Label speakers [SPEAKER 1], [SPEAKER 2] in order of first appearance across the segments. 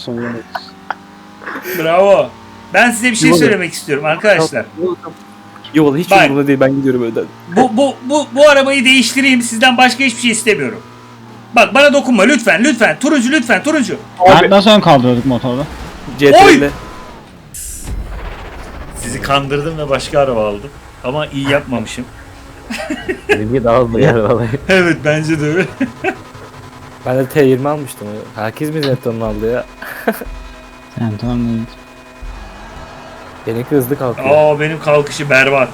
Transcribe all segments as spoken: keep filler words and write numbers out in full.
[SPEAKER 1] olsun Yunus.
[SPEAKER 2] Bravo. Ben size bir şey
[SPEAKER 3] Yuvalı.
[SPEAKER 2] söylemek istiyorum arkadaşlar.
[SPEAKER 3] Yuvalı hiç
[SPEAKER 2] Bak.
[SPEAKER 3] umurumda değil, ben gidiyorum önden.
[SPEAKER 2] Bu, bu, bu, bu arabayı değiştireyim. Sizden başka hiçbir şey istemiyorum. Bak bana dokunma lütfen lütfen. Turuncu lütfen turuncu.
[SPEAKER 4] Abi. Nasıl ön kaldırıyorduk motorda?
[SPEAKER 3] C T R'le.
[SPEAKER 2] Sizi kandırdım ve başka araba aldım. Ama iyi yapmamışım.
[SPEAKER 5] Benimki daha hızlı yer vallahi.
[SPEAKER 2] Evet bence de öyle.
[SPEAKER 3] Ben de T yirmi almıştım. Herkes mi Zenton'u aldı ya?
[SPEAKER 4] Yani tamam değil.
[SPEAKER 3] Benimki hızlı kalkıyor.
[SPEAKER 2] Aa benim kalkışı berbat.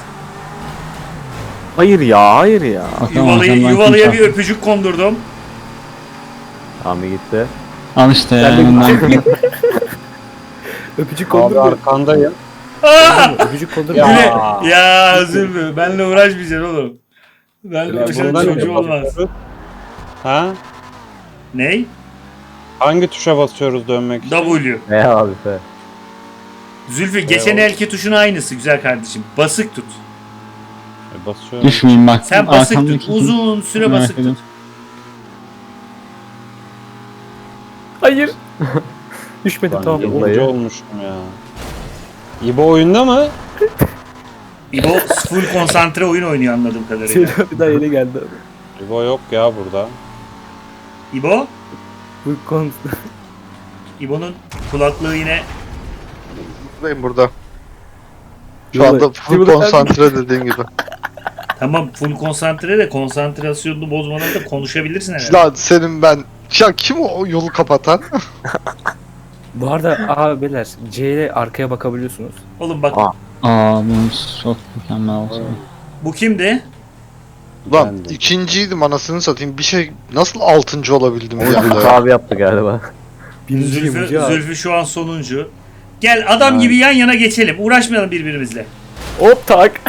[SPEAKER 5] Hayır ya, hayır ya.
[SPEAKER 4] Bakalım
[SPEAKER 2] Yuvalıyı,
[SPEAKER 4] arkamdan
[SPEAKER 2] yuvalıya
[SPEAKER 4] kim
[SPEAKER 2] bir öpücük kondurdum.
[SPEAKER 5] Abi gitti.
[SPEAKER 4] Al işte ya.
[SPEAKER 3] Ben de
[SPEAKER 4] önden.
[SPEAKER 3] Öpücük
[SPEAKER 1] Abi
[SPEAKER 3] kondurmuyor.
[SPEAKER 1] arkandayım.
[SPEAKER 2] Aa!
[SPEAKER 3] Öpücük kondurmuyor.
[SPEAKER 1] Ya.
[SPEAKER 2] Güle. Ya Zülfü benle uğraşmayacaksın oğlum. Benle
[SPEAKER 1] Ya
[SPEAKER 2] uğraşan
[SPEAKER 1] bundan
[SPEAKER 2] çocuğu
[SPEAKER 1] ne
[SPEAKER 2] olmaz.
[SPEAKER 1] basıyoruz? Ha?
[SPEAKER 2] Ney?
[SPEAKER 1] Hangi tuşa basıyoruz dönmek için?
[SPEAKER 2] W.
[SPEAKER 5] Ne abi be.
[SPEAKER 2] Zülfü geçen
[SPEAKER 1] Eyvallah.
[SPEAKER 2] elki tuşun aynısı güzel kardeşim. Basık tut.
[SPEAKER 1] E, basıyorum.
[SPEAKER 4] Düşmeyeyim bak.
[SPEAKER 2] Sen basık
[SPEAKER 4] arkamdaki
[SPEAKER 2] tut.
[SPEAKER 4] kim?
[SPEAKER 2] Uzun süre
[SPEAKER 4] Merak
[SPEAKER 2] basık tut.
[SPEAKER 4] ediyorum.
[SPEAKER 3] Hayır. Düşmedim
[SPEAKER 1] Lan
[SPEAKER 3] tamam.
[SPEAKER 5] yıl-
[SPEAKER 1] yıldıcı olmuşum ya. İbo oyunda mı?
[SPEAKER 2] İbo full konsantre oyun oynuyor anladığım kadarıyla.
[SPEAKER 3] Senin bir daha yeni geldi.
[SPEAKER 1] İbo yok ya burada.
[SPEAKER 2] İbo?
[SPEAKER 3] Bu kon...
[SPEAKER 2] İbo'nun kulaklığı yine
[SPEAKER 6] Buradayım burada. Şu
[SPEAKER 3] Yuvalı.
[SPEAKER 6] anda full
[SPEAKER 3] Yuvalı-
[SPEAKER 6] konsantre dediğin gibi.
[SPEAKER 2] tamam full konsantre de konsantrasyonunu bozmadan da konuşabilirsin herhalde.
[SPEAKER 6] Lan senin ben... Ya kim o yolu kapatan?
[SPEAKER 3] Bu arada abi beyler C ile arkaya bakabiliyorsunuz.
[SPEAKER 2] Oğlum bak
[SPEAKER 5] Aa.
[SPEAKER 4] Aa bu çok mükemmel oldu.
[SPEAKER 2] bu kimdi?
[SPEAKER 6] Lan
[SPEAKER 1] Ben de.
[SPEAKER 6] ikinciydim anasını satayım. Bir şey nasıl altıncı olabildim
[SPEAKER 5] Onu
[SPEAKER 6] ya?
[SPEAKER 5] Zülfü abi yaptı galiba.
[SPEAKER 3] Birinciyim
[SPEAKER 2] Zülfü,
[SPEAKER 3] hocam.
[SPEAKER 2] Zülfü şu an sonuncu. Gel adam
[SPEAKER 1] Ay.
[SPEAKER 2] gibi yan yana geçelim. Uğraşmayalım birbirimizle.
[SPEAKER 3] Hop tak.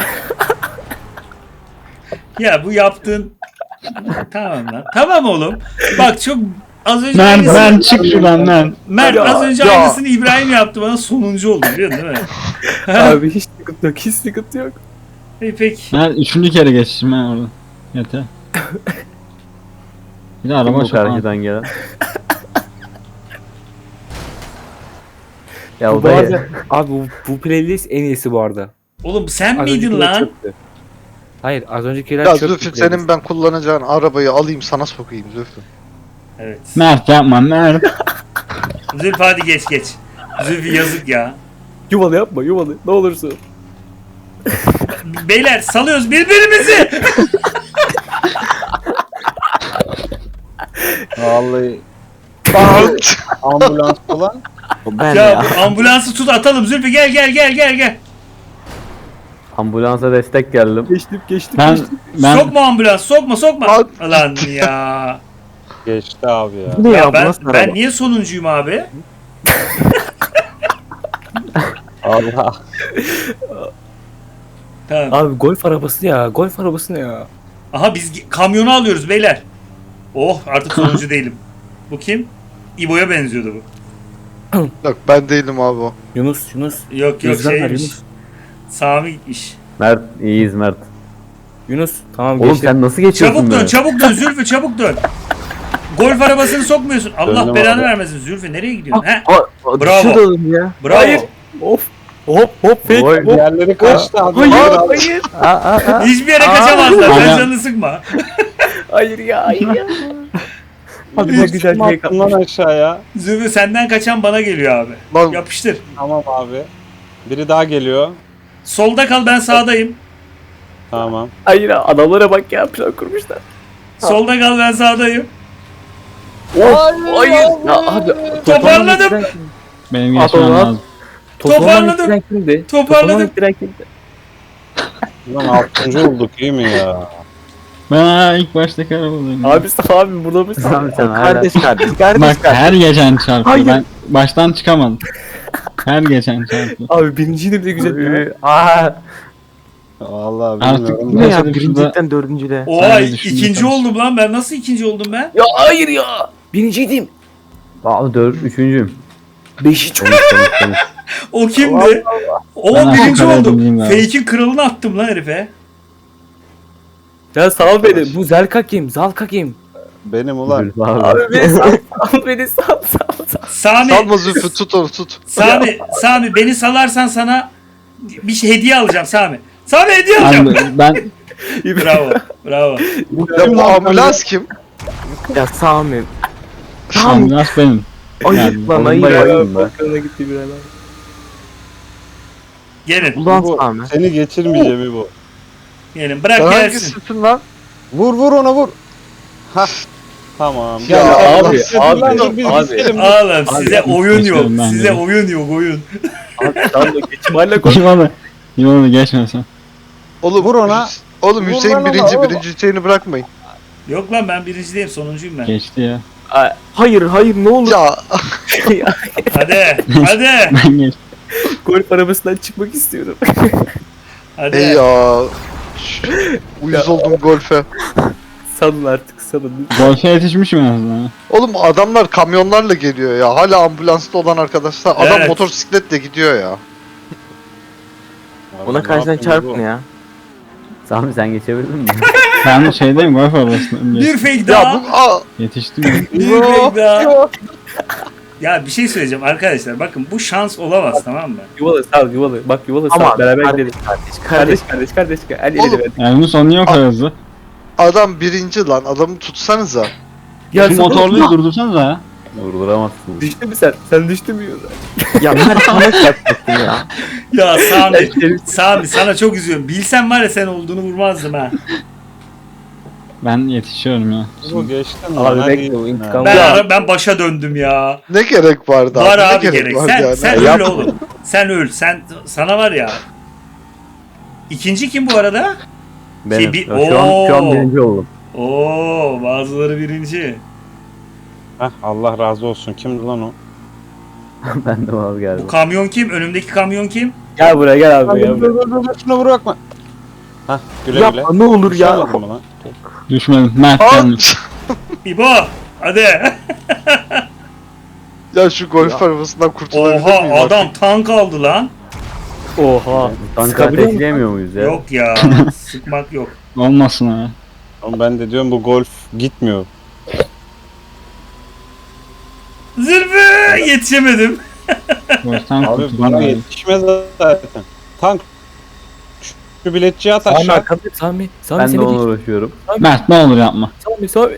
[SPEAKER 2] Ya bu yaptığın... tamam lan. Tamam oğlum. Bak çok az önce
[SPEAKER 4] Ben
[SPEAKER 2] aynısını...
[SPEAKER 4] ben çık şuradan lan.
[SPEAKER 2] Mert
[SPEAKER 3] Ya,
[SPEAKER 2] az önce
[SPEAKER 3] ya.
[SPEAKER 2] aynısını İbrahim yaptı bana sonuncu oldu biliyorsun değil mi?
[SPEAKER 3] Abi hiç sıkıntı yok, hiç sıkıntı yok.
[SPEAKER 2] İyi peki.
[SPEAKER 4] Ben üçüncü kere geçtim ben orada. Yeter. Bir de
[SPEAKER 5] Kim
[SPEAKER 4] araba
[SPEAKER 5] bu
[SPEAKER 4] çok ağır.
[SPEAKER 5] karşıdan gelen? Ya
[SPEAKER 3] Bu
[SPEAKER 5] o da
[SPEAKER 3] arada, abi bu, bu playlist en iyisi bu arada.
[SPEAKER 2] Oğlum sen
[SPEAKER 3] Az
[SPEAKER 2] miydin
[SPEAKER 3] öncekiler
[SPEAKER 2] lan?
[SPEAKER 3] çöptü. Hayır az öncekiler
[SPEAKER 6] Ya
[SPEAKER 3] çöptü
[SPEAKER 6] Zülfü
[SPEAKER 3] playlist.
[SPEAKER 6] senin ben kullanacağın arabayı alayım sana sokayım Zülfü.
[SPEAKER 2] Evet.
[SPEAKER 4] Mert yapma Mert.
[SPEAKER 2] Zülfü hadi geç geç. Zülfü yazık ya.
[SPEAKER 3] Yuvalı yapma yuvalı ne olursun.
[SPEAKER 2] Beyler salıyoruz birbirimizi.
[SPEAKER 1] Vallahi
[SPEAKER 6] Bant!
[SPEAKER 1] ambulans falan.
[SPEAKER 5] O ben
[SPEAKER 2] ya
[SPEAKER 5] ya.
[SPEAKER 2] bu ambulansı tut atalım Zülfü gel gel gel gel gel.
[SPEAKER 5] Ambulansa destek geldim.
[SPEAKER 3] Geçtim geçtim
[SPEAKER 4] Ben
[SPEAKER 3] geçtim.
[SPEAKER 4] ben
[SPEAKER 2] Sokma ambulans sokma sokma.
[SPEAKER 6] Lan.
[SPEAKER 2] Lan ya.
[SPEAKER 1] Geçti abi ya.
[SPEAKER 5] Bu ne ya,
[SPEAKER 2] ya
[SPEAKER 5] bu
[SPEAKER 2] ben,
[SPEAKER 5] nasıl
[SPEAKER 2] ben
[SPEAKER 5] araba?
[SPEAKER 2] niye sonuncuyum abi?
[SPEAKER 1] Allah.
[SPEAKER 2] Tamam.
[SPEAKER 3] Abi golf arabası ya golf arabası ne ya?
[SPEAKER 2] Aha biz gi- kamyonu alıyoruz beyler. Oh artık sonuncu değilim. Bu kim? İbo'ya benziyordu bu.
[SPEAKER 6] Yok ben değilim abi o.
[SPEAKER 3] Yunus Yunus.
[SPEAKER 2] Yok yok
[SPEAKER 3] Gözden ver
[SPEAKER 2] şeymiş.
[SPEAKER 3] Yunus.
[SPEAKER 2] Sami gitmiş.
[SPEAKER 5] Mert iyiyiz Mert.
[SPEAKER 3] Yunus tamam
[SPEAKER 5] Oğlum
[SPEAKER 3] geçtim.
[SPEAKER 5] sen nasıl geçiyorsun
[SPEAKER 2] Çabuk dön
[SPEAKER 5] be?
[SPEAKER 2] çabuk dön Zülfü çabuk dön. Golf arabasını sokmuyorsun. Allah
[SPEAKER 1] Döndüm
[SPEAKER 2] belanı
[SPEAKER 1] abi.
[SPEAKER 2] vermesin Zülfü nereye gidiyorsun? He?
[SPEAKER 5] Aa, aa,
[SPEAKER 2] Bravo.
[SPEAKER 5] düşüyordu oğlum ya.
[SPEAKER 2] Bravo.
[SPEAKER 3] Hayır. Of. Hop hop fake
[SPEAKER 5] Oy,
[SPEAKER 3] hop.
[SPEAKER 1] Diğerleri kaçtı abi.
[SPEAKER 3] Hayır
[SPEAKER 1] Abi,
[SPEAKER 3] hayır.
[SPEAKER 5] Aa, aa, aa.
[SPEAKER 2] Hiçbir yere kaçamazlar. Sen
[SPEAKER 4] Aynen.
[SPEAKER 2] canını sıkma.
[SPEAKER 3] Hayır ya hayır ya. Abi
[SPEAKER 1] Hiç
[SPEAKER 3] ne güzel
[SPEAKER 1] kim
[SPEAKER 3] fake
[SPEAKER 1] attın lan
[SPEAKER 3] atmış.
[SPEAKER 1] aşağıya.
[SPEAKER 2] Zülfü senden kaçan bana geliyor abi.
[SPEAKER 6] Lan
[SPEAKER 2] Yapıştır.
[SPEAKER 1] Tamam abi. Biri daha geliyor.
[SPEAKER 2] Solda kal ben sağdayım.
[SPEAKER 1] Tamam.
[SPEAKER 3] Hayır ya, adamlara bak ya plan kurmuşlar.
[SPEAKER 2] Solda kal ben sağdayım.
[SPEAKER 3] Of hayır. Ya abi
[SPEAKER 2] Toparladım.
[SPEAKER 4] benim
[SPEAKER 5] At
[SPEAKER 4] geçmem
[SPEAKER 5] onu, at.
[SPEAKER 4] lazım.
[SPEAKER 2] Toparladım.
[SPEAKER 3] Toparladım. Kimdi?
[SPEAKER 2] Toparladım.
[SPEAKER 3] ittiren kimdi?
[SPEAKER 1] Ulan altıncı olduk iyi mi ya?
[SPEAKER 4] Ben ha, ilk baştaki arabadayım.
[SPEAKER 3] Abi abi burada mısın?
[SPEAKER 5] Abi sen hala.
[SPEAKER 1] Kardeş kardeş kardeş
[SPEAKER 4] Bak
[SPEAKER 1] kardeş.
[SPEAKER 4] her geçen çarptı.
[SPEAKER 3] Hayır.
[SPEAKER 4] Ben baştan çıkamadım. Her geçen çarptı.
[SPEAKER 3] Abi birinciydi bile güzel ya.
[SPEAKER 5] Aa.
[SPEAKER 1] Vallahi
[SPEAKER 4] Artık
[SPEAKER 1] bilmiyorum.
[SPEAKER 5] Bu ne ya?
[SPEAKER 4] Yaşadım
[SPEAKER 5] Birincilikten dördüncüde.
[SPEAKER 2] Oha
[SPEAKER 4] Ben de düşündüm
[SPEAKER 2] ikinci
[SPEAKER 4] tabii.
[SPEAKER 2] oldum lan ben. Nasıl ikinci oldum ben?
[SPEAKER 3] Ya hayır ya. Birinciydim.
[SPEAKER 5] Aa dört, üçüncüyüm.
[SPEAKER 3] Beşinci.
[SPEAKER 5] Konuş konuş konuş.
[SPEAKER 2] O kimdi? O
[SPEAKER 4] Ben
[SPEAKER 2] birinci
[SPEAKER 4] Ankara'ya
[SPEAKER 2] oldum.
[SPEAKER 4] bineyim abi.
[SPEAKER 2] Fake'in kralını attım lan herife.
[SPEAKER 3] Ya sal beni. Bu Zelka kim? Zalka kim?
[SPEAKER 1] Benim ulan.
[SPEAKER 5] Zülfü abi.
[SPEAKER 3] Abi beni sal. Al beni sal sal sal.
[SPEAKER 2] Sami,
[SPEAKER 6] Salma Zülfü, tut onu tut.
[SPEAKER 2] Sami, Sami beni salarsan sana bir şey hediye alacağım Sami. Sami hediye alacağım.
[SPEAKER 4] Abi ben
[SPEAKER 2] Bravo, bravo.
[SPEAKER 6] Ya bu ambulans kim?
[SPEAKER 5] Ya Sami. Sami.
[SPEAKER 4] ambulans benim.
[SPEAKER 5] Ayıp lan ayıp.
[SPEAKER 6] Bombayı-
[SPEAKER 5] ayıp be.
[SPEAKER 3] Bakkala gitti bir adam.
[SPEAKER 2] Gelin,
[SPEAKER 5] Ulan
[SPEAKER 1] Bu,
[SPEAKER 5] Sami.
[SPEAKER 1] seni geçirmeyeceğim bu.
[SPEAKER 2] gelin. Bırak
[SPEAKER 6] Sen
[SPEAKER 2] gelsin.
[SPEAKER 6] hangisisin lan?
[SPEAKER 1] Vur vur ona vur. Hah. Tamam.
[SPEAKER 6] Ya
[SPEAKER 1] Gel,
[SPEAKER 6] abi,
[SPEAKER 1] gel,
[SPEAKER 3] abi,
[SPEAKER 1] gel, biz
[SPEAKER 3] abi.
[SPEAKER 1] bitirelim.
[SPEAKER 2] Oğlum size
[SPEAKER 4] Abi,
[SPEAKER 2] oyun yok.
[SPEAKER 4] geçiyorum ben
[SPEAKER 2] Size
[SPEAKER 4] de.
[SPEAKER 2] oyun yok oyun.
[SPEAKER 3] Abi sen de geçim hala koy.
[SPEAKER 4] İvan'ı. İvan'ı geçme sen.
[SPEAKER 6] Oğlum
[SPEAKER 1] Vur ona.
[SPEAKER 6] Hüs- Oğlum
[SPEAKER 1] Vur
[SPEAKER 6] Hüseyin
[SPEAKER 1] lan ona,
[SPEAKER 6] birinci,
[SPEAKER 1] oğlum.
[SPEAKER 6] birinci Hüseyin'i bırakmayın.
[SPEAKER 2] Yok lan ben birinci değilim sonuncuyum ben.
[SPEAKER 4] Geçti ya.
[SPEAKER 3] Aa,
[SPEAKER 5] Hayır hayır ne olur.
[SPEAKER 6] Ya
[SPEAKER 2] Hadi hadi
[SPEAKER 4] Ben geç.
[SPEAKER 3] golf arabasından çıkmak istiyorum.
[SPEAKER 2] hadi.
[SPEAKER 6] ey ya. Ş- Uyuz oldum golfe.
[SPEAKER 3] Salın artık salın.
[SPEAKER 4] Golfe yetişmişim en azından.
[SPEAKER 6] Oğlum adamlar kamyonlarla geliyor ya. Hala ambulansta olan arkadaşlar. Adam
[SPEAKER 2] Evet.
[SPEAKER 6] motosikletle gidiyor ya.
[SPEAKER 5] Ona
[SPEAKER 1] Ne
[SPEAKER 5] karşıdan
[SPEAKER 1] yapayım
[SPEAKER 5] çarpın
[SPEAKER 1] bu?
[SPEAKER 5] ya. Sami sen geçebildin mi?
[SPEAKER 4] Ben şeydeyim golf arabasındayım.
[SPEAKER 2] Bir fake
[SPEAKER 6] Ya
[SPEAKER 2] daha.
[SPEAKER 6] bu aa,
[SPEAKER 4] Yetiştim ya.
[SPEAKER 2] Bir fake daha. Ya bir şey söyleyeceğim arkadaşlar bakın bu şans olamaz tamam mı?
[SPEAKER 3] Yuvalı sal yuvalı. Bak yuvalı
[SPEAKER 5] Ama
[SPEAKER 3] sal beraber
[SPEAKER 5] kardeş,
[SPEAKER 3] gidelim.
[SPEAKER 5] kardeş
[SPEAKER 3] Kardeş
[SPEAKER 5] kardeş.
[SPEAKER 3] kardeş kardeş. Hadi
[SPEAKER 6] Oğlum,
[SPEAKER 3] edelim.
[SPEAKER 4] Yani bunun sonu niye o kadar hızlı?
[SPEAKER 6] adam birinci lan. Adamı tutsanıza.
[SPEAKER 3] Ya
[SPEAKER 4] Şu
[SPEAKER 3] sen-
[SPEAKER 4] motorluyu durdursanıza ya.
[SPEAKER 5] Durduramazsınız.
[SPEAKER 3] Düştün mü sen? Sen düştün mü yuvalı?
[SPEAKER 5] Ya Mert sana çarpacaktım ya.
[SPEAKER 2] Ya Sami, Sami sana çok üzüyorum. Bilsem var ya sen olduğunu vurmazdım ha.
[SPEAKER 4] Ben yetişiyorum ya.
[SPEAKER 1] Bu geçtin
[SPEAKER 3] Abi
[SPEAKER 1] lan. hadi
[SPEAKER 3] bekle,
[SPEAKER 1] gitsin
[SPEAKER 3] o
[SPEAKER 1] ha.
[SPEAKER 3] intikam-
[SPEAKER 2] Ben
[SPEAKER 3] Ya.
[SPEAKER 2] ara- ben başa döndüm ya.
[SPEAKER 6] Ne gerek vardı
[SPEAKER 2] Var
[SPEAKER 6] Ne
[SPEAKER 2] abi gerek.
[SPEAKER 6] vardı
[SPEAKER 2] Sen
[SPEAKER 6] yani?
[SPEAKER 2] sen
[SPEAKER 6] Ya
[SPEAKER 2] öl oğlum. Sen öl. Sen sana var ya. İkinci kim bu arada?
[SPEAKER 5] Benim.
[SPEAKER 2] bir-
[SPEAKER 5] Ya şu an şu an
[SPEAKER 2] Oo.
[SPEAKER 5] birinci oldum.
[SPEAKER 2] Oo, bazıları birinci.
[SPEAKER 1] Heh, Allah razı olsun. Kimdi lan o?
[SPEAKER 5] Ben de vazgeçtim.
[SPEAKER 2] Bu kamyon kim? Önümdeki kamyon kim?
[SPEAKER 3] Gel buraya gel abi
[SPEAKER 1] Dur
[SPEAKER 3] ya.
[SPEAKER 1] dur dur dur şuna vur bakma. Hah güle güle.
[SPEAKER 5] Yapma ne olur ya.
[SPEAKER 1] Düşemedin mi lan?
[SPEAKER 4] Düşmedim. Mert
[SPEAKER 6] Aa,
[SPEAKER 4] gelmiş.
[SPEAKER 2] İbo. Hadi.
[SPEAKER 6] ya şu golf arabasından kurtulabilir
[SPEAKER 2] Oha
[SPEAKER 6] miyim
[SPEAKER 2] adam
[SPEAKER 6] artık?
[SPEAKER 2] tank aldı lan.
[SPEAKER 3] Oha.
[SPEAKER 5] Tankı
[SPEAKER 3] Sıkabiliyor musun?
[SPEAKER 5] ateşleyemiyor muyuz ya?
[SPEAKER 2] Yok ya. Sıkmak yok.
[SPEAKER 4] Olmasın ha.
[SPEAKER 1] Oğlum ben de diyorum bu golf gitmiyor.
[SPEAKER 2] Zülfü yetişemedim.
[SPEAKER 4] Golften
[SPEAKER 1] Abi
[SPEAKER 4] kurtuldum
[SPEAKER 1] bana
[SPEAKER 4] abi.
[SPEAKER 1] yetişmez zaten. Tank. Şu biletçiyi at
[SPEAKER 3] Sami
[SPEAKER 1] aşağı.
[SPEAKER 3] arkamda. Sami. Sami
[SPEAKER 5] Ben de
[SPEAKER 3] seni
[SPEAKER 5] ona
[SPEAKER 3] geç.
[SPEAKER 5] uğraşıyorum.
[SPEAKER 4] Mert ne olur yapma.
[SPEAKER 3] Sami Sami.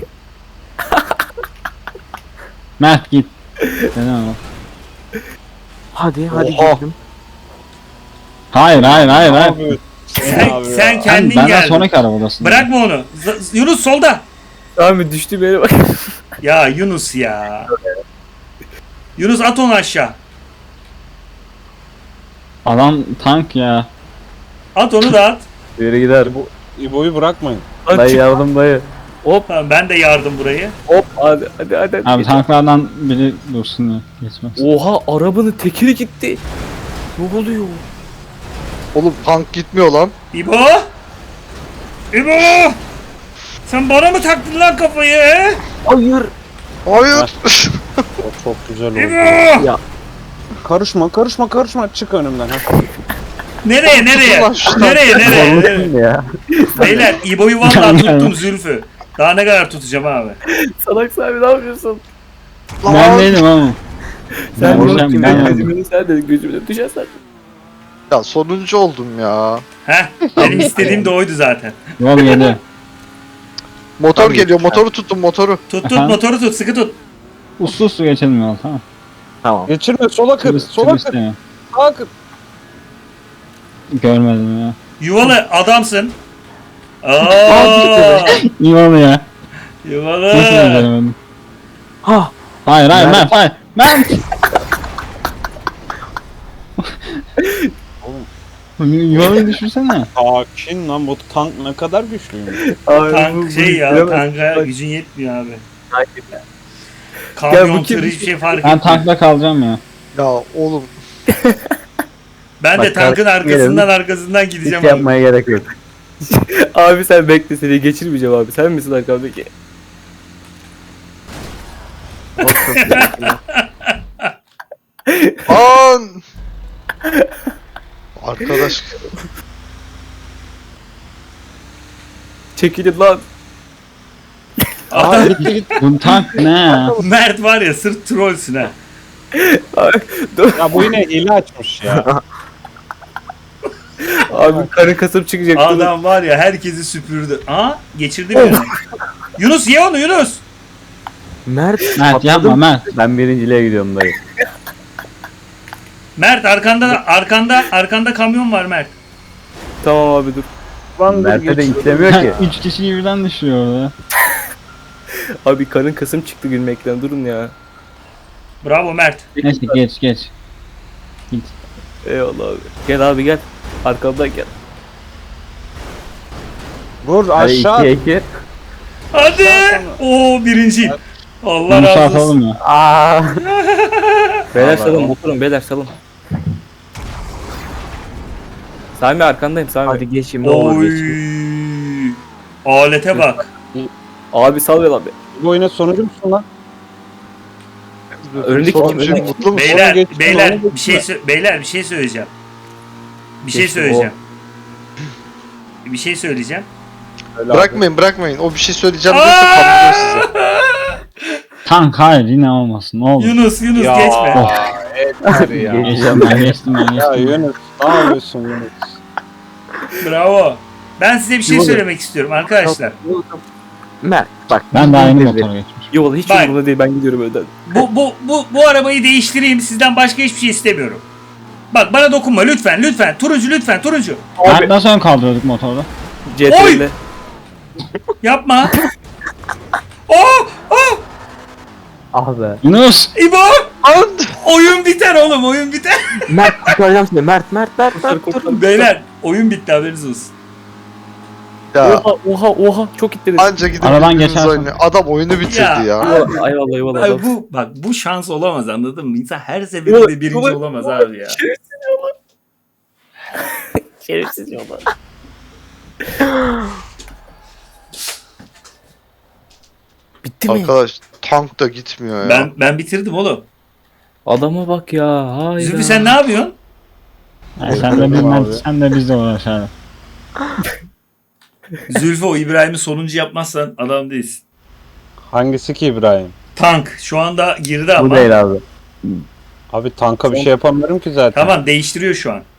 [SPEAKER 4] Mert git. Neden o?
[SPEAKER 5] Hadi hadi
[SPEAKER 6] Oha.
[SPEAKER 5] gittim.
[SPEAKER 4] Hayır hayır hayır hayır.
[SPEAKER 1] Abi,
[SPEAKER 2] Sen,
[SPEAKER 1] abi
[SPEAKER 2] sen
[SPEAKER 1] ya.
[SPEAKER 2] kendin
[SPEAKER 4] Ben, benden
[SPEAKER 2] geldin.
[SPEAKER 4] sonraki arabadasın.
[SPEAKER 2] Bırakma onu. Z- Yunus solda.
[SPEAKER 3] Sami düştü beni bak.
[SPEAKER 2] Ya Yunus ya. Yunus at onu aşağı.
[SPEAKER 4] Adam tank ya.
[SPEAKER 2] At onu da at.
[SPEAKER 5] Yürü gider.
[SPEAKER 1] İbo'yu bırakmayın.
[SPEAKER 5] Dayı yardım dayı.
[SPEAKER 3] Hop
[SPEAKER 2] Tamam, ben de yardım burayı.
[SPEAKER 3] hop hadi hadi hadi.
[SPEAKER 4] Abi
[SPEAKER 3] hadi.
[SPEAKER 4] tanklardan biri dursun ya. Geçmez.
[SPEAKER 3] Oha arabanın tekeri gitti. Ne oluyor?
[SPEAKER 6] Oğlum tank gitmiyor lan.
[SPEAKER 2] İbo. İbo. Sen bana mı taktın lan kafayı he?
[SPEAKER 5] Hayır.
[SPEAKER 6] Hayır.
[SPEAKER 1] O çok güzel oldu.
[SPEAKER 2] İbo.
[SPEAKER 5] Ya.
[SPEAKER 1] Karışma karışma karışma çık önümden. Ha.
[SPEAKER 2] Nereye nereye?
[SPEAKER 6] Ulan şu
[SPEAKER 2] Nereye nereye? nereye?
[SPEAKER 5] Korkutun ya.
[SPEAKER 2] Beyler İbo'yu vallahi tuttum Zülfü. Daha ne kadar tutacağım abi?
[SPEAKER 3] Salak Sami ne yapıyorsun?
[SPEAKER 6] Lan.
[SPEAKER 4] Ben değilim ama.
[SPEAKER 3] Sen
[SPEAKER 4] Ben
[SPEAKER 3] bunu
[SPEAKER 4] düşen-
[SPEAKER 3] kim
[SPEAKER 4] ben
[SPEAKER 3] ben
[SPEAKER 4] öldüm.
[SPEAKER 3] gözümün sen de gözümün düşersen.
[SPEAKER 6] Ya sonuncu oldum ya.
[SPEAKER 2] Heh, benim istediğim de oydu zaten.
[SPEAKER 4] Yol geliyor.
[SPEAKER 6] Motor
[SPEAKER 5] Tabii.
[SPEAKER 6] geliyor. Motoru tuttum motoru.
[SPEAKER 2] Tut tut
[SPEAKER 4] Aha.
[SPEAKER 2] motoru tut sıkı tut.
[SPEAKER 4] Uslu uslu geçelim yol tamam.
[SPEAKER 5] Tamam.
[SPEAKER 1] Geçirme sola kır.
[SPEAKER 4] Turist,
[SPEAKER 1] Sola
[SPEAKER 4] turist
[SPEAKER 1] kır.
[SPEAKER 4] ya.
[SPEAKER 1] Sağa kır.
[SPEAKER 4] Görmedim ya.
[SPEAKER 2] Yuvalı adamsın. Aa,
[SPEAKER 4] İyi oldu ya.
[SPEAKER 2] yuvalı.
[SPEAKER 4] Nasıl göremedim?
[SPEAKER 5] Ha.
[SPEAKER 4] Hayır hayır
[SPEAKER 5] Mert.
[SPEAKER 4] Mert hayır. Mert. Yuvalayı düşürsene.
[SPEAKER 1] Sakin lan bu tank ne kadar güçlüymüş.
[SPEAKER 2] Tank şey ya tanka gücün yetmiyor abi.
[SPEAKER 3] Ya
[SPEAKER 2] Kamyon
[SPEAKER 3] bu kim?
[SPEAKER 2] tır hiçbir şey fark
[SPEAKER 4] Ben
[SPEAKER 2] etmiyor.
[SPEAKER 4] tankla kalacağım ya.
[SPEAKER 6] Ya oğlum.
[SPEAKER 2] Ben de
[SPEAKER 5] Bak,
[SPEAKER 2] tankın
[SPEAKER 5] kardeşim
[SPEAKER 2] arkasından arkasından
[SPEAKER 5] Hiç
[SPEAKER 2] gideceğim abi.
[SPEAKER 5] yapmaya gerek yok.
[SPEAKER 3] Abi sen bekle seni geçirmeyeceğim abi. Sen misin arkamdaki?
[SPEAKER 6] An. Arkadaş.
[SPEAKER 3] Çekilin lan.
[SPEAKER 1] Aa gitti gitti.
[SPEAKER 4] Bu tank ne ya?
[SPEAKER 2] Mert var ya sırf trollsün ha.
[SPEAKER 1] Ya bu yine hile açmış ya.
[SPEAKER 3] Abi karın kasıp çıkacak.
[SPEAKER 2] Adam var ya herkesi süpürdü. Aa geçirdi birini. Yunus ye onu Yunus.
[SPEAKER 5] Mert.
[SPEAKER 4] Mert yapma
[SPEAKER 5] atladım.
[SPEAKER 4] Mert.
[SPEAKER 5] Ben birinciliğe gidiyorum dayı.
[SPEAKER 2] Mert arkanda arkanda arkanda kamyon var Mert.
[SPEAKER 3] Tamam abi dur.
[SPEAKER 5] Mert'e de istemiyor ki.
[SPEAKER 4] Üç kişiyi birden düşürüyor orada.
[SPEAKER 3] Abi karın kasım çıktı gülmekten durun ya.
[SPEAKER 2] Bravo Mert.
[SPEAKER 4] Neyse geç geç.
[SPEAKER 3] Eyvallah abi. Gel abi gel. Arkamdan gel.
[SPEAKER 1] Vur
[SPEAKER 5] Hadi
[SPEAKER 1] aşağı.
[SPEAKER 5] ikiye iki.
[SPEAKER 2] Hadi. Oo birinciyim. Allah
[SPEAKER 4] Bunu
[SPEAKER 2] razı olsun.
[SPEAKER 4] atalım ya.
[SPEAKER 5] Aa.
[SPEAKER 3] Beyler
[SPEAKER 2] Allah
[SPEAKER 3] salın
[SPEAKER 2] Allah.
[SPEAKER 3] oturun beyler salın. Sami arkandayım Sami.
[SPEAKER 5] Hadi geçeyim ne olur
[SPEAKER 2] Oy.
[SPEAKER 5] geçeyim.
[SPEAKER 2] Alete bak.
[SPEAKER 3] Abi sal ya lan be.
[SPEAKER 1] Bu oyuna sonucu musun lan?
[SPEAKER 3] Öndeki kim?
[SPEAKER 6] Sonuncu
[SPEAKER 3] Öndeki
[SPEAKER 6] mutlu musun?
[SPEAKER 2] Beyler,
[SPEAKER 1] geçtim,
[SPEAKER 2] beyler
[SPEAKER 1] onu
[SPEAKER 2] bir şey sö- beyler bir şey söyleyeceğim. Bir şey
[SPEAKER 3] Geçtim,
[SPEAKER 2] söyleyeceğim. Bir şey söyleyeceğim.
[SPEAKER 1] Öyle abi.
[SPEAKER 6] Bırakmayın bırakmayın. O bir şey söyleyeceğim diyorsa kamyon size.
[SPEAKER 4] Tank hayır yine olmasın. Ne olur.
[SPEAKER 2] Yunus Yunus
[SPEAKER 1] Ya.
[SPEAKER 2] geçme.
[SPEAKER 1] Yeter ya.
[SPEAKER 4] Geçtim ben geçtim ben
[SPEAKER 1] Ya
[SPEAKER 4] geçtim.
[SPEAKER 1] Yunus ne yapıyorsun Yunus?
[SPEAKER 2] Bravo. Ben size bir şey söylemek istiyorum arkadaşlar.
[SPEAKER 5] Mert bak.
[SPEAKER 4] Ben de aynı
[SPEAKER 5] biz-
[SPEAKER 4] motora geçmişim.
[SPEAKER 3] Yok hiç
[SPEAKER 2] Bak.
[SPEAKER 3] umurumda değil ben gidiyorum önden.
[SPEAKER 2] Bu bu bu bu arabayı değiştireyim. Sizden başka hiçbir şey istemiyorum. Bak bana dokunma lütfen lütfen. Turuncu lütfen turuncu.
[SPEAKER 4] Mert nasıl ön kaldırıyorduk motorda?
[SPEAKER 3] C T R'le.
[SPEAKER 2] Yapma. Oh! Oh!
[SPEAKER 5] Ah be.
[SPEAKER 4] Yunus!
[SPEAKER 2] İbo! Oyun biter oğlum oyun biter.
[SPEAKER 5] Mert kurtaracağım seni. Mert Mert Mert Mert. dur.
[SPEAKER 2] Beyler oyun bitti haberiniz olsun.
[SPEAKER 6] Ya
[SPEAKER 3] Oha oha oha çok itledin.
[SPEAKER 6] anca gidip
[SPEAKER 4] Aradan
[SPEAKER 6] birbirinizi
[SPEAKER 4] geçersin.
[SPEAKER 6] oynayın. Adam oyunu bitirdi
[SPEAKER 2] Ya.
[SPEAKER 6] ya.
[SPEAKER 3] Eyvallah eyvallah eyvallah.
[SPEAKER 2] Abi
[SPEAKER 3] adam.
[SPEAKER 2] bu bak bu şans olamaz anladın mı? İnsan her seferinde birinci
[SPEAKER 3] Ulan-
[SPEAKER 2] olamaz abi ya.
[SPEAKER 3] Şerefsiz yola. Bitti mi?
[SPEAKER 6] Arkadaş tank da gitmiyor ya.
[SPEAKER 2] Ben ben bitirdim oğlum.
[SPEAKER 3] Adama bak ya. Hayda.
[SPEAKER 2] Zülfü sen ne yapıyorsun?
[SPEAKER 4] Yani sen de bizden, sen de bizle uğraş hadi.
[SPEAKER 2] Zülfü o İbrahim'i sonuncu yapmazsan adam değilsin.
[SPEAKER 1] Hangisi ki İbrahim?
[SPEAKER 2] Tank şu anda girdi
[SPEAKER 5] Bu
[SPEAKER 2] ama.
[SPEAKER 5] değil abi.
[SPEAKER 1] Abi tanka bir şey yapamıyorum ki zaten.
[SPEAKER 2] Tamam değiştiriyor şu an.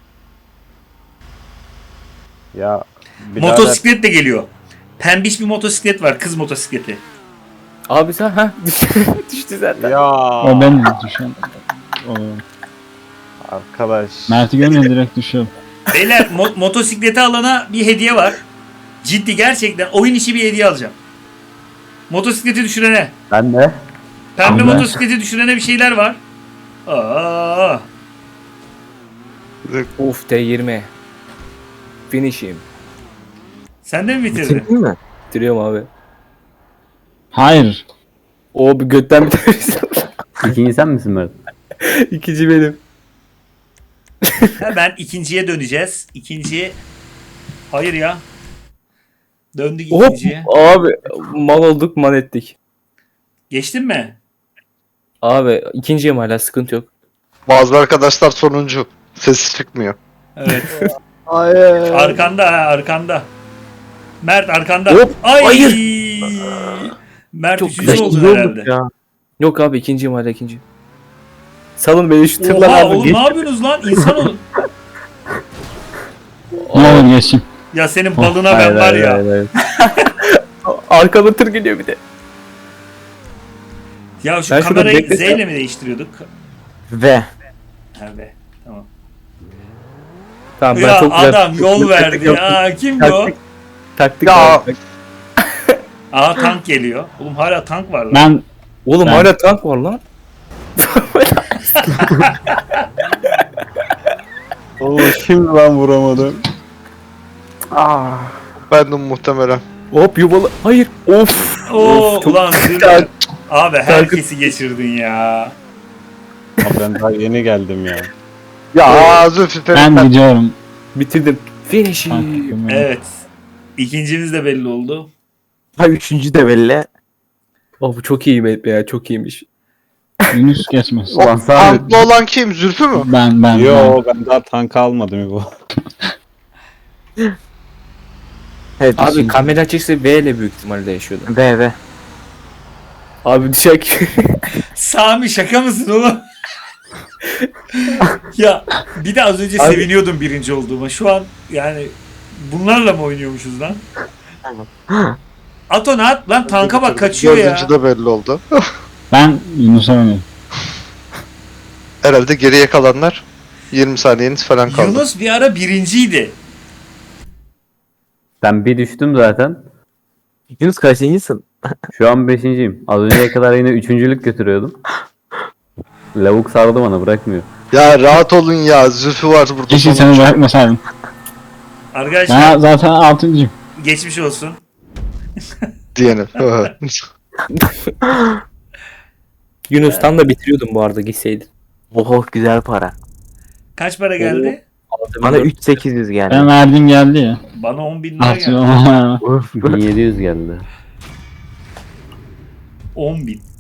[SPEAKER 1] Ya birader,
[SPEAKER 2] Motosiklet de geliyor. Pembiş bir motosiklet var kız motosikleti.
[SPEAKER 3] Abi sen ha düştü zaten.
[SPEAKER 1] Ya
[SPEAKER 4] O benim düşün. O.
[SPEAKER 1] arkadaş.
[SPEAKER 4] Mert'i görünce direkt düşüyorum.
[SPEAKER 2] Beyler mo- motosikleti alana bir hediye var. Ciddi gerçekten oyun içi bir hediye alacağım. Motosikleti düşürene.
[SPEAKER 5] Ben de.
[SPEAKER 2] Pembe
[SPEAKER 4] Abi.
[SPEAKER 2] motosikleti düşürene bir şeyler var. Aa.
[SPEAKER 3] Uf T yirmi. Finish'im.
[SPEAKER 2] Sen de mi bitirdin?
[SPEAKER 5] Bitirdin mi?
[SPEAKER 3] Bitiriyorum abi.
[SPEAKER 4] Hayır.
[SPEAKER 3] O bir götten bir
[SPEAKER 5] İkinci sen misin Mert?
[SPEAKER 3] İkinci benim.
[SPEAKER 2] Hemen ikinciye döneceğiz. İkinciye... Hayır ya. Döndük
[SPEAKER 3] Hop
[SPEAKER 2] ikinciye.
[SPEAKER 3] abi mal olduk man ettik.
[SPEAKER 2] Geçtin mi?
[SPEAKER 3] Abi ikinciyim hala sıkıntı yok.
[SPEAKER 6] Bazı arkadaşlar sonuncu. Sesi çıkmıyor.
[SPEAKER 2] Evet.
[SPEAKER 5] Hayır.
[SPEAKER 2] Arkanda ha arkanda. Mert arkanda.
[SPEAKER 3] Hop,
[SPEAKER 2] Ay.
[SPEAKER 3] hayır.
[SPEAKER 2] Mert
[SPEAKER 3] Çok
[SPEAKER 2] üçüncü
[SPEAKER 3] güzel.
[SPEAKER 2] oldun
[SPEAKER 5] İyi olduk
[SPEAKER 2] herhalde.
[SPEAKER 5] ya.
[SPEAKER 3] Yok abi ikinciyim hala ikinci. Salın beni şu
[SPEAKER 2] Oha
[SPEAKER 3] tırlar
[SPEAKER 2] oğlum
[SPEAKER 3] abi.
[SPEAKER 2] ne yapıyorsunuz lan? İnsan olun.
[SPEAKER 4] Ne olur geçeyim.
[SPEAKER 2] Ya senin balına ben
[SPEAKER 5] Hayır,
[SPEAKER 2] var
[SPEAKER 5] hayır,
[SPEAKER 2] ya.
[SPEAKER 5] hayır, hayır.
[SPEAKER 3] Arkada tır geliyor bir de.
[SPEAKER 2] Ya şu
[SPEAKER 3] Ben şurada
[SPEAKER 2] kamerayı Z
[SPEAKER 3] beklesem-
[SPEAKER 2] ile mi değiştiriyorduk?
[SPEAKER 5] Ve.
[SPEAKER 2] Ha be. Tamam.
[SPEAKER 3] Tamam ben
[SPEAKER 2] Ya
[SPEAKER 3] çok güzel.
[SPEAKER 2] adam yol
[SPEAKER 3] taktik
[SPEAKER 2] verdi
[SPEAKER 3] yaptım.
[SPEAKER 2] ya. Kim bu?
[SPEAKER 3] Taktik. Taktik
[SPEAKER 6] Ya.
[SPEAKER 3] yaptım.
[SPEAKER 2] Aha tank geliyor. Oğlum hala tank var lan.
[SPEAKER 4] Ben
[SPEAKER 3] Oğlum
[SPEAKER 4] Ben-
[SPEAKER 3] hala tank var lan.
[SPEAKER 1] Oğlum şimdi ben vuramadım.
[SPEAKER 5] Ah.
[SPEAKER 6] Bendim muhtemelen.
[SPEAKER 3] Hop yuvalı. Hayır. Of.
[SPEAKER 2] Oo
[SPEAKER 3] of, çok
[SPEAKER 2] ulan
[SPEAKER 3] güzel.
[SPEAKER 2] Zülfü. Abi herkesi geçirdin ya.
[SPEAKER 1] Abi ben daha yeni geldim ya.
[SPEAKER 6] Ya Zülfü
[SPEAKER 4] ben
[SPEAKER 6] Ferit.
[SPEAKER 4] gidiyorum.
[SPEAKER 3] Bitirdim. Finish'i.
[SPEAKER 4] Tank.
[SPEAKER 2] Evet. İkincimiz de belli oldu.
[SPEAKER 5] Ha üçüncü de belli.
[SPEAKER 3] Oh bu çok iyi be ya çok iyiymiş.
[SPEAKER 4] Yunus geçmez.
[SPEAKER 5] Ulan sağ ol.
[SPEAKER 6] Tanklı olan kim? Zülfü mü?
[SPEAKER 4] Ben ben.
[SPEAKER 1] Yo ben daha tank almadım bu.
[SPEAKER 5] Evet
[SPEAKER 3] Abi
[SPEAKER 5] üçüncü.
[SPEAKER 3] kamera açıksa V ile büyük ihtimalle yaşıyordu.
[SPEAKER 5] Ve ve.
[SPEAKER 3] Abi düşek.
[SPEAKER 2] Sami şaka mısın oğlum? Ya bir de az önce
[SPEAKER 5] Abi-
[SPEAKER 2] seviniyordum birinci olduğuma. Şu an yani bunlarla mı oynuyormuşuz lan? Ato ne at lan, tanka bak kaçıyor ya.
[SPEAKER 6] Dördüncü de belli oldu.
[SPEAKER 4] Ben Yunus'a oynuyorum.
[SPEAKER 6] Herhalde geriye kalanlar yirmi saniyeniz falan kaldı.
[SPEAKER 2] Yunus bir ara birinciydi.
[SPEAKER 7] Ben bir düştüm zaten.
[SPEAKER 5] Yunus kaçıncısın?
[SPEAKER 7] Şu an beşinciyim. Az önceye kadar yine üçüncülük götürüyordum. Lavuk sardı bana, bırakmıyor.
[SPEAKER 6] Ya rahat olun ya. Zülfü var burada.
[SPEAKER 4] Keşke seni
[SPEAKER 6] sonuncu.
[SPEAKER 4] bırakmasaydım.
[SPEAKER 2] Arkadaşlar
[SPEAKER 4] Ben zaten altıncıyım.
[SPEAKER 2] geçmiş olsun.
[SPEAKER 6] Diyelim.
[SPEAKER 3] Yunus'tan da bitiriyordum bu arada gitseydin.
[SPEAKER 5] Oh güzel para.
[SPEAKER 2] Kaç para geldi?
[SPEAKER 5] Bana üç bin sekiz yüz geldi.
[SPEAKER 4] Ben verdiğim geldi ya.
[SPEAKER 2] Bana on bin lira
[SPEAKER 4] Artık
[SPEAKER 2] geldi.
[SPEAKER 4] ama
[SPEAKER 5] Uf.
[SPEAKER 7] bin yedi yüz geldi.
[SPEAKER 2] on bin.